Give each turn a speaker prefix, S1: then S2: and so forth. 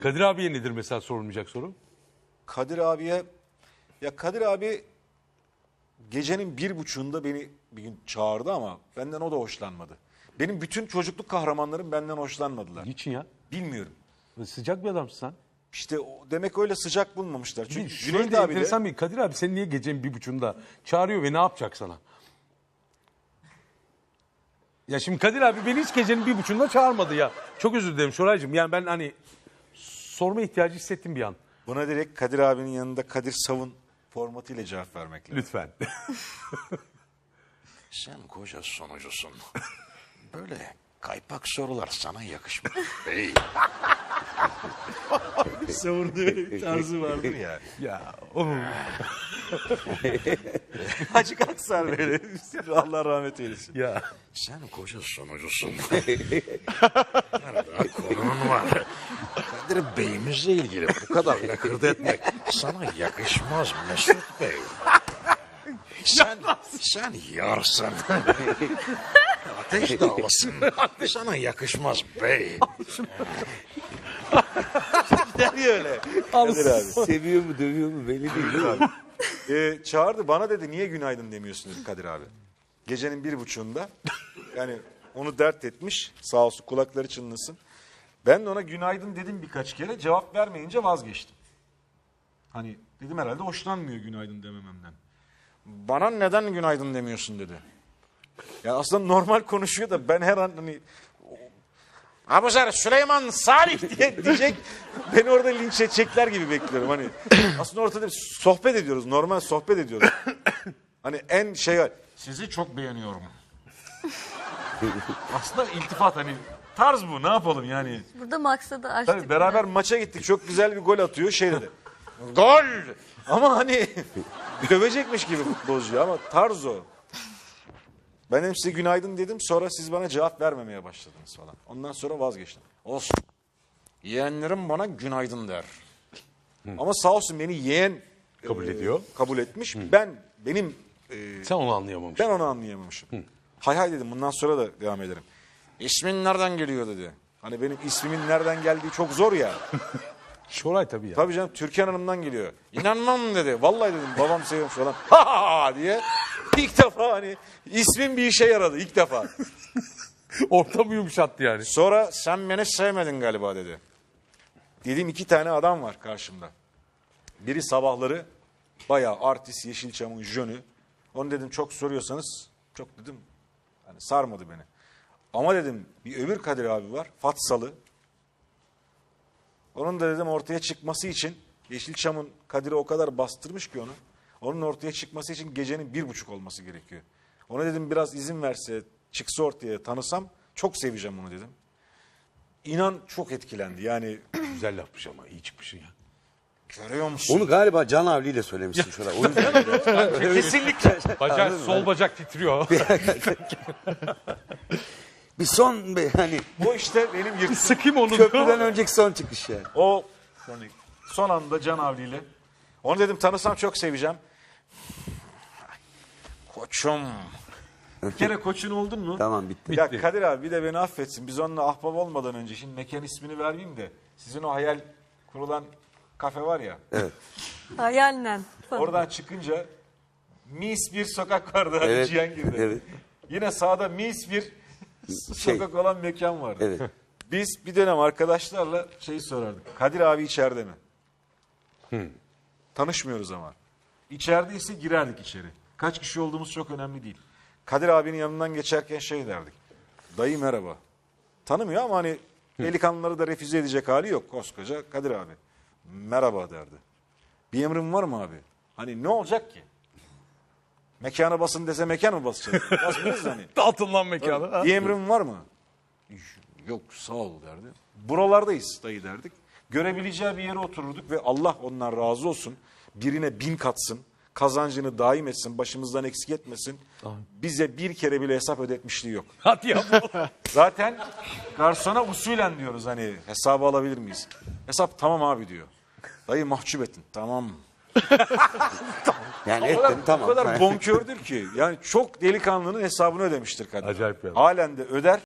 S1: Kadir abiye nedir mesela sorulmayacak soru?
S2: Kadir abiye, ya Kadir abi gecenin 1.30'unda beni bir gün çağırdı ama benden o da hoşlanmadı. Benim bütün çocukluk kahramanlarım benden hoşlanmadılar.
S1: Niçin ya?
S2: Bilmiyorum.
S1: Sıcak bir adamsın sen.
S2: İşte demek öyle sıcak bulmamışlar. Çünkü
S1: Şöyle
S2: Cüneyt
S1: de
S2: abi de
S1: enteresan bir Kadir abi seni niye gecenin 1.30'unda çağırıyor ve ne yapacak sana? Ya şimdi Kadir abi beni hiç gecenin 1.30'unda çağırmadı ya. Çok özür dilerim Şoraycığım. Yani ben hani sorma ihtiyacı hissettim bir an.
S2: buna direkt Kadir abinin yanında Kadir Savun formatıyla cevap vermek lazım.
S1: Lütfen.
S3: Sen koca sonucusun. Böyle kaypak sorular sana yakışmaz bey.
S2: Savun'da öyle bir tarzı vardır ya.
S1: Ya
S2: Açık aksar böyle. Allah rahmet eylesin.
S1: ya.
S3: Sen koca sonucusun. Daha konun var. Kadir Bey'imizle ilgili bu kadar lakırdı etmek sana yakışmaz Mesut Bey. Sen yarsın. Ateş dağlasın. Sana yakışmaz bey.
S2: Der ya öyle. Kadir abi.
S4: Seviyor mu dövüyor mu belli değil.
S2: Çağırdı bana dedi niye günaydın demiyorsun dedi Kadir abi. Gecenin 1.30'unda yani onu dert etmiş sağ olsun kulakları çınlasın. Ben de ona günaydın dedim birkaç kere cevap vermeyince vazgeçtim. Hani dedim herhalde hoşlanmıyor günaydın demememden. Bana neden günaydın demiyorsun dedi. Yani aslında normal konuşuyor da ben her an hani Abuzer Süleyman Salih diye diyecek. Beni orada linç edecekler gibi bekliyorum. Hani aslında ortada bir sohbet ediyoruz. Normal sohbet ediyoruz. Hani en şey var. Sizi çok beğeniyorum. Aslında iltifat hani tarz bu ne yapalım yani.
S5: Burada maksadı açtık.
S2: Tabii beraber maça gittik. Çok güzel bir gol atıyor. Şey dedi. Gol! Ama hani dövecekmiş gibi futbolcu ama tarz o. Ben hem size günaydın dedim sonra siz bana cevap vermemeye başladınız falan. Ondan sonra vazgeçtim. Olsun. Yeğenlerim bana günaydın der. Ama sağ olsun beni yeğen
S1: Kabul ediyor.
S2: kabul etmiş. Benim
S1: Sen onu anlayamamışsın.
S2: ben onu anlayamamışım. Hay hay dedim bundan sonra da devam ederim. İsmin nereden geliyor dedi. Hani benim ismimin nereden geldiği çok zor ya.
S1: Şoray tabii ya.
S2: Tabii canım Türkan Hanım'dan geliyor. İnanmam dedi. Vallahi dedim babam seviyormuş falan. Ha ha ha diye. İlk defa hani ismin bir işe yaradı ilk defa.
S1: Ortamı yumuşattı yani.
S2: Sonra sen beni sevmedin galiba dedi. Dedim 2 tane adam var karşımda. Biri sabahları bayağı artist Yeşilçam'ın jönü. Onu dedim çok soruyorsanız çok dedim hani sarmadı beni. Ama dedim bir öbür Kadir abi var Fatsalı. Onun da dedim ortaya çıkması için Yeşilçam'ın Kadir'i o kadar bastırmış ki onu. Onun ortaya çıkması için gecenin 1.30 olması gerekiyor. Ona dedim biraz izin verse çıksa ortaya tanısam çok seveceğim onu dedim. İnan çok etkilendi yani.
S1: Güzel lafmış ama iyi çıkmışsın ya.
S2: Görüyor musun?
S4: Onu galiba Can Avli ile söylemişsin şurada. O yüzden
S2: Kesinlikle.
S1: Bacak, sol bacak titriyor.
S4: bir son hani
S2: O işte benim yırtığım.
S1: Sıkayım onu.
S4: köprüden önceki son çıkış yani.
S2: O hani son anda Can Avli'yle. Onu dedim tanısam çok seveceğim. Koçum. Bir kere koçun oldun mu?
S4: Tamam bitti.
S2: Ya Kadir abi bir de beni affetsin. Biz onunla ahbap olmadan önce şimdi mekan ismini vermeyeyim de sizin o hayal kurulan kafe var ya.
S5: Hayalen.
S2: Oradan çıkınca mis bir sokak vardı. Hani
S4: Evet,
S2: Cihangir'de.
S4: evet.
S2: Yine sağda mis bir sokak olan mekan vardı.
S4: Evet.
S2: Biz bir dönem arkadaşlarla şeyi sorardık. Kadir abi içeride mi? Tanışmıyoruz ama. İçerideyse girerdik içeri. Kaç kişi olduğumuz çok önemli değil. Kadir abinin yanından geçerken şey derdik. Dayı merhaba. Tanımıyor ama hani delikanlıları da refüze edecek hali yok. Koskoca Kadir abi. Merhaba derdi. Bir emrin var mı abi? Hani ne olacak ki? Mekana basın dese mekan mı basacak? Basmıyoruz hani.
S1: Dağıtın lan mekanı.
S2: Bir emrin var mı? Yok sağ ol derdi. Buralardayız dayı derdik. Görebileceği bir yere otururduk ve Allah ondan razı olsun. Birine 1000 katsın. Kazancını daim etsin. Başımızdan eksik etmesin. Bize bir kere bile hesap ödetmişliği yok.
S1: Hadi ya.
S2: Zaten garsona usulen diyoruz hani hesabı alabilir miyiz? Hesap tamam abi diyor. Dayı mahcup ettin. Tamam.
S4: Yani
S2: O kadar,
S4: ettim tamam.
S2: o kadar bonkördür ki. Yani çok delikanlının hesabını ödemiştir kadın.
S1: Acayip yani.
S2: Halen de öder.